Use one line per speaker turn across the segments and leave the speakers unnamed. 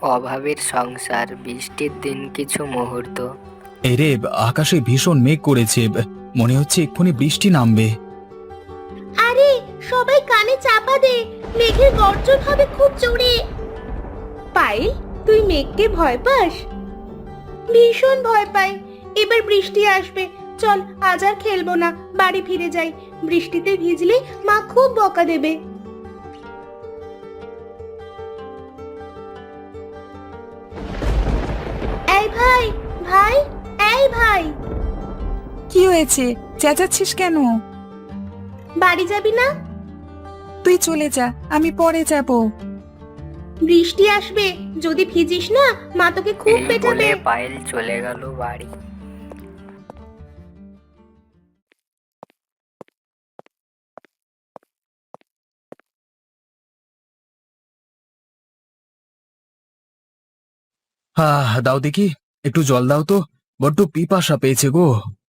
অভাবের সংসার, বৃষ্টির দিন কিছু মুহূর্ত।
এরে, আকাশে ভীষণ মেঘ করেছে, মনে হচ্ছে এক্ষুনি বৃষ্টি নামবে।
আরে সবাই কানে চাপা দে, মেঘের গর্জন হবে খুব জোরে। পায়েল, তুই মেঘকে ভয় পাস? ভীষণ ভয় পাই। এবার বৃষ্টি আসবে, চল আজ আর খেলবো না, বাড়ি ফিরে যাই। বৃষ্টিতে ভিজলে মা খুব বকা দেবে। এই ভাই, ভাই, এই ভাই,
কি হয়েছে? চেঁচাচ্ছিস কেন?
বাড়ি যাবি না?
তুই চলে যা, আমি পরে যাব।
বৃষ্টি আসবে, যদি ভিজিস না মা তোকে খুব
এই
পেটাবে।
বলে পায়েল চলে গেল বাড়ি।
দাও দেখি, একটু জল দাও তো, বড্ড পিপাসা পেয়েছে গো।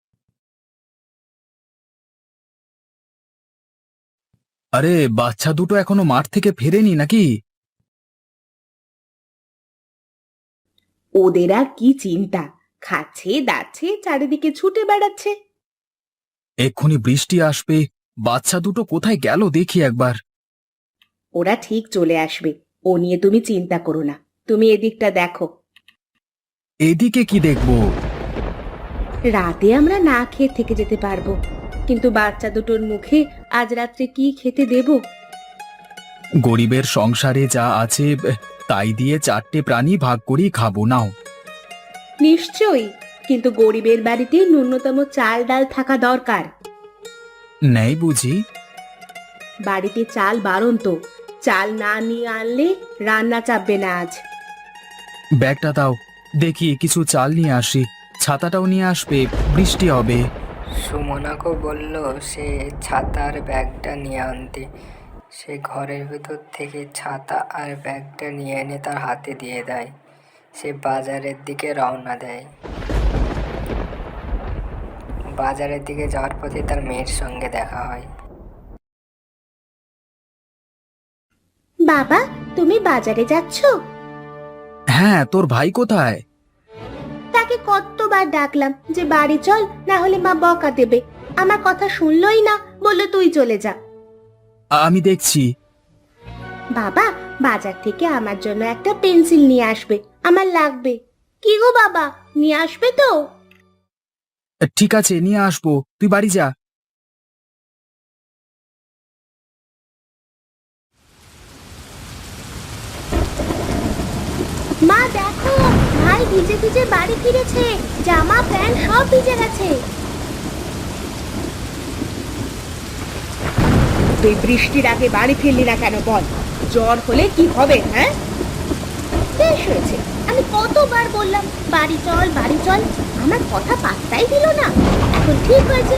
আরে, বাচ্চা দুটো এখনো মাঠ থেকে ফেরেনি নাকি?
ওদের আর কি চিন্তা, খাচ্ছে দাচ্ছে চারিদিকে ছুটে বেড়াচ্ছে।
এক্ষুনি বৃষ্টি আসবে, বাচ্চা দুটো কোথায় গেল দেখি একবার।
ওরা ঠিক চলে আসবে, ও নিয়ে তুমি চিন্তা করো না। তুমি এদিকটা দেখো।
এদিকে কি দেখবো?
রাতে আমরা না খেয়ে থেকে যেতে পারবো, কিন্তু বাচ্চা দুটোর মুখে আজ রাত্রে কি খেতে দেব?
গরিবের সংসারে যা আছে তাই দিয়ে চারটে প্রাণী ভাগ করেই খাবো, নাও।
নিশ্চয়ই, কিন্তু গরিবের বাড়িতে ন্যূনতম চাল ডাল থাকা দরকার।
নেই বুঝি?
বাড়িতে চাল বারণ তো, চাল না নিয়ে আনলে রান্না চাপবে না আজ।
ব্যাগটা দাও, দেখি কিছু চাল নিয়ে আসি। ছাতাটাও নিয়ে আসবে, বৃষ্টি হবে।
সুমনাকে বলল সে ছাতার ব্যাগটা নিয়ে আনতে। সে ঘরের ভেতর থেকে ছাতা আর ব্যাগটা নিয়ে এনে তার হাতে দিয়ে দেয়। সে বাজারের দিকে রওনা দেয়। বাজারের দিকে যাওয়ার পথে তার মেয়ের সঙ্গে দেখা হয়।
বাবা, তুমি বাজারে যাচ্ছ?
হ্যাঁ, তোর ভাই কোথায়?
তাকে কতবার ডাকলাম যে বাড়ি চল, না হলে মা বকা দেবে। আমার কথা শুনলই না, বললো তুই চলে যা।
আমি দেখছি।
বাবা, বাজার থেকে আমার জন্য একটা পেন্সিল নিয়ে আসবে, আমার লাগবে। কি গো বাবা, নিয়ে আসবে তো?
ঠিক আছে, নিয়ে আসবো, তুই বাড়ি যা।
মা দেখো, ভাই ভিজে ভিজে বাড়ি ফিরেছে, জামা প্যান্ট সব ভিজে গেছে। তুই বৃষ্টির আগে বাড়ি ফিরলি না কেন বল? জ্বর হলে কি হবে? হ্যাঁ, বেশ হয়েছে, আমি কতবার বললাম বাড়ি চল বাড়ি চল, আমার কথা পাত্তাই দিল না। এখন ঠিক হয়েছে।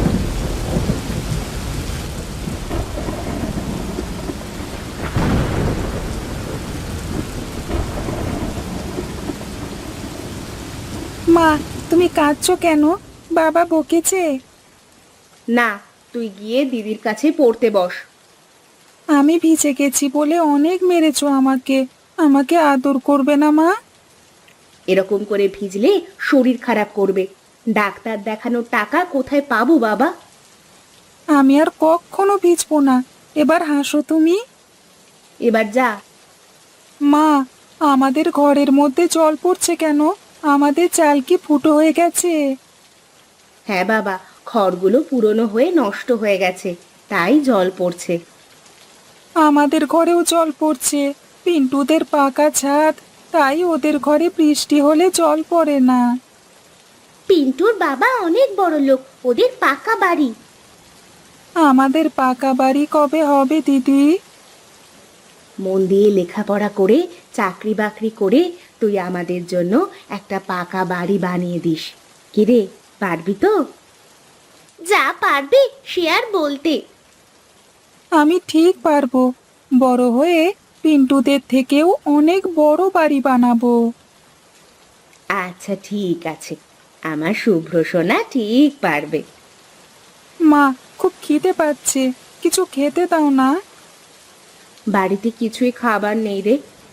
মা, তুমি কাঁদছো কেন? বাবা বকেছে?
না, তুই গিয়ে দিদির কাছে পড়তে বস।
আমি ভিজে গেছি বলে অনেক মেরেছো আমাকে। আমাকে আদর করবে না মা?
এরকম করে ভিজলে শরীর খারাপ করবে। ডাক্তার দেখানোর টাকা কোথায় পাবো বাবা?
আমি আর কখনো ভিজবো না। এবার হাসো তুমি।
এবার যা।
মা, আমাদের ঘরের মধ্যে জল পড়ছে কেন? আমাদের চাল কি ফুটো হয়ে গেছে?
হ্যাঁ বাবা, খড়গুলো পুরনো হয়ে নষ্ট হয়ে গেছে, তাই জল পড়ছে।
আমাদের ঘরেও জল পড়ছে। পিন্টুদের পাকা ছাদ, তাই ওদের ঘরে বৃষ্টি হলে জল পড়ে না।
পিন্টুর বাবা অনেক বড় লোক, ওদের পাকা বাড়ি।
আমাদের পাকা বাড়ি কবে হবে দিদি?
মন দিয়ে লেখাপড়া করে চাকরি বাকরি করে তুই আমাদের জন্য একটা পাকা বাড়ি বানিয়ে দিস। কিরে, পারবি তো? যা পারবে সে আর বলতে।
আমি ঠিক পারবো। বড় হয়ে পিন্টুদের থেকেও অনেক বড় বাড়ি বানাবো।
আচ্ছা ঠিক আছে, আমার শুভ্র সোনা ঠিক পারবে।
মা, খুব খিদে পাচ্ছে, কিছু খেতে দাও না।
বাড়িতে কিছুই খাবার নেই রে,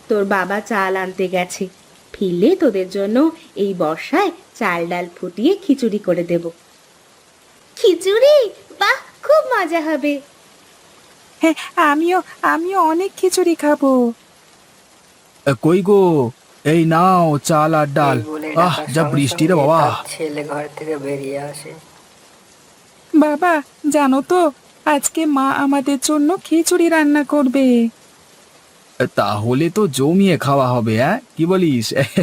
তোর বাবা চাল আনতে গেছে, ফিরলে তোদের জন্য এই বর্ষায় চাল ডাল ফুটিয়ে খিচুড়ি করে দেব। খিচুড়ি? বাহ, খুব মজা হবে।
হ্যাঁ, আমিও আমিও অনেক খিচুড়ি খাবো।
কই গো, এই নাও চাল আর ডাল।
এই বলে
আহ,
ডাকার
যা
সঙ্গে
বৃষ্টি রে
সঙ্গে
বাবা।
তার ছেলে ঘর থেকে বেরিয়ে আসে।
বাবা, জানো তো আজকে মা আমাদের জন্য খিচুড়ি রান্না করবে।
তাহলে তো জমিয়ে খাওয়া হবে, হ্যাঁ কি বলিস?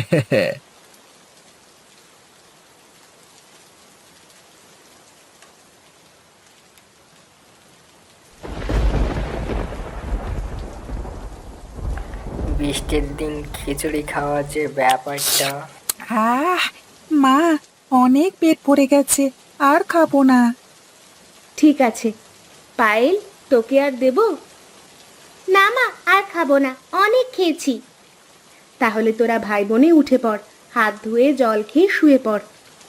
বৃষ্টির দিন খিচুড়ি খাওয়ার যে ব্যাপারটা।
আহ, মা, অনেক পেট ভরে গেছে, আর খাবো না।
ঠিক আছে পায়েল, তোকে আর দেব না? মা, আর খাবো না, অনেক খেয়েছি। তাহলে তোরা ভাই বোনে উঠে পড়, হাত ধুয়ে জল খেয়ে শুয়ে পড়।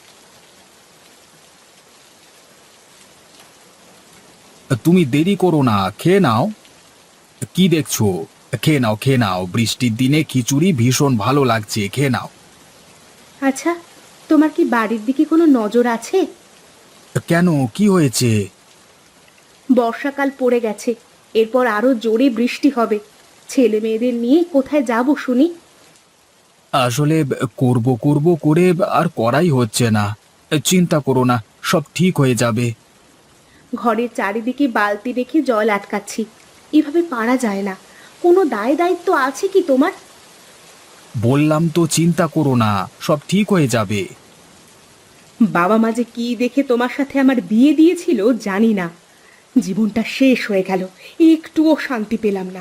তুমি দেরি করো না, খেয়ে নাও। কি দেখছো? খেয়ে নাও, খেয়ে নাও, বৃষ্টির দিনে খিচুড়ি ভীষণ ভালো লাগছে, খেয়ে নাও।
আচ্ছা, তোমার কি বাড়ির দিকে কোনো নজর আছে?
কেন, কি হয়েছে?
বর্ষাকাল পড়ে গেছে, এরপর আরো জোরে বৃষ্টি হবে। ছেলে মেয়েদের নিয়ে কোথায় যাব শুনি?
আসলে করব করব করে আর করাই হচ্ছে না। চিন্তা করো না, সব ঠিক হয়ে যাবে।
ঘরের চারিদিকে বালতি রেখে জল আটকাচ্ছি, এভাবে পারা যায় না। কোনো দায় দায়িত্ব আছে কি তোমার?
বললাম তো চিন্তা করো না, সব ঠিক হয়ে যাবে।
বাবা মা যে কি দেখে তোমার সাথে আমার বিয়ে দিয়েছিল জানি না, জীবনটা শেষ হয়ে গেল, একটুও শান্তি পেলাম না।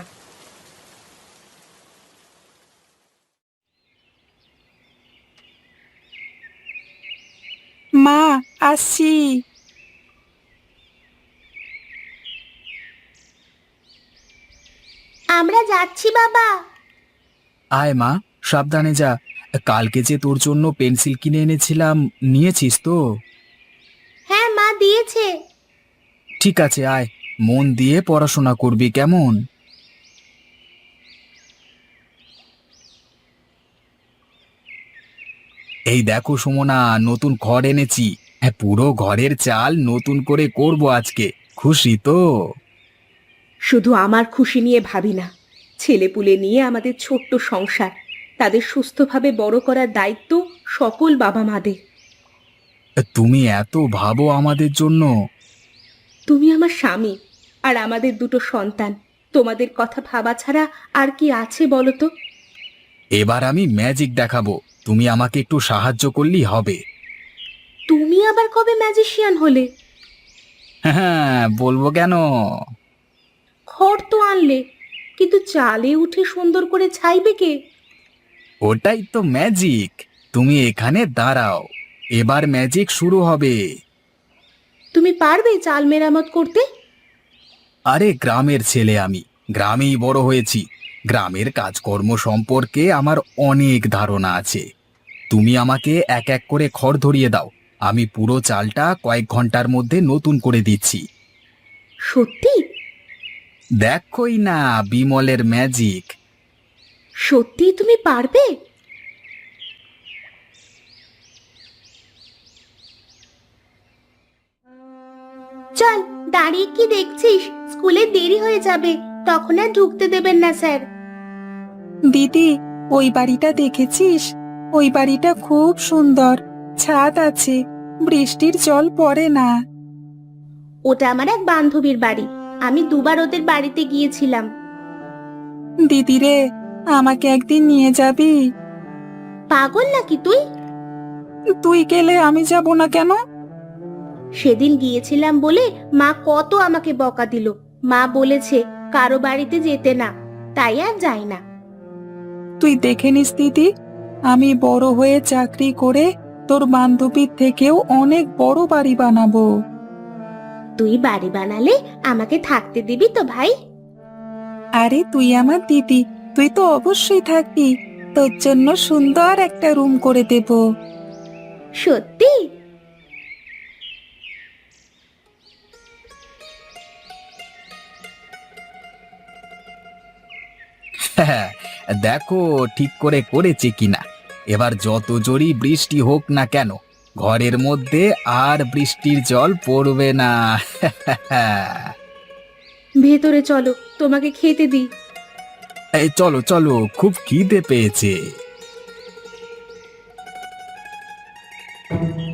মা, আসছি।
আমরা যাচ্ছি বাবা।
আয় মা, সাবধানে যা। কালকে যে তোর জন্য পেন্সিল কিনে এনেছিলাম, নিয়েছিস তো?
হ্যাঁ মা দিয়েছে।
ঠিক আছে, আয়, মন দিয়ে পড়াশোনা করবি, কেমন? এই দেখো সুমনা, নতুন খড় এনেছি। হ্যাঁ, পুরো ঘরের চাল নতুন করে করব আজকে। খুশি তো?
শুধু আমার খুশি নিয়ে ভাবি না, ছেলেপুলে নিয়ে আমাদের ছোট্ট সংসার, তাদের সুস্থভাবে বড় করার দায়িত্ব সকল বাবা মাদের।
তুমি এত ভাবো আমাদের জন্য।
তুমি আমার স্বামী, আর আমাদের দুটো সন্তান। তোমাদের কথা ভাবা ছাড়া আর কি আছে বলো তো?
এবার আমি ম্যাজিক দেখাবো, তুমি আমাকে একটু সাহায্য করলেই হবে।
তুমি আবার কবে ম্যাজিশিয়ান হলে?
হ্যাঁ, বলবো কেন।
খড় তো আনলে, কিন্তু চালে উঠে সুন্দর করে ছাইবে কে?
ওটাই তো ম্যাজিক। তুমি এখানে দাঁড়াও, এবার ম্যাজিক শুরু হবে।
তুমি পারবে চাল মেরামত করতে?
আরে গ্রামের ছেলে আমি, গ্রামেই বড় হয়েছি। গ্রামের কাজকর্ম সম্পর্কে আমার অনেক ধারণা আছে। তুমি আমাকে এক এক করে খড় ধরিয়ে দাও, আমি পুরো চালটা কয়েক ঘন্টার মধ্যে নতুন করে দিচ্ছি।
সত্যি?
দেখোই না বিমলের ম্যাজিক।
সত্যি তুমি পারবে? চল, দাঁড়িয়ে কি দেখছিস? স্কুলে দেরি হয়ে যাবে, তখন আর ঢুকতে দেবেন না স্যার।
দিদি, ওই বাড়িটা দেখেছিস? ওই বাড়িটা খুব সুন্দর, ছাদ আছে, বৃষ্টির জল পড়ে না।
ওটা আমার এক বান্ধবীর বাড়ি, আমি দুবার ওদের বাড়িতে গিয়েছিলাম।
দিদি রে, আমাকে একদিন নিয়ে যাবি?
পাগল নাকি তুই?
তুই গেলে আমি যাব না কেন?
সেদিন গিয়েছিলাম বলে মা কত আমাকে বকা দিল। মা বলেছে কারো বাড়িতে যেতে না, তাই আর যাই না।
তুই দেখে নিস দিদি, আমি বড় হয়ে চাকরি করে তোর বান্ধবীর থেকেও অনেক বড় বাড়ি বানাবো।
তুই বাড়ি বানালে আমাকে থাকতে দিবি তো ভাই?
আরে তুই আমার দিদি, তুই তো অবশ্যই থাকবি। তোর জন্য সুন্দর একটা রুম করে দেব।
সত্যি?
হ্যাঁ, দেখো ঠিক করে করেছে কিনা। এবার যত জোরই বৃষ্টি হোক না কেন, ঘরের মধ্যে আর বৃষ্টির জল পড়বে না।
ভেতরে চলো, তোমাকে খেতে দিই।
এই চলো চলো, খুব খিদে পেয়েছে।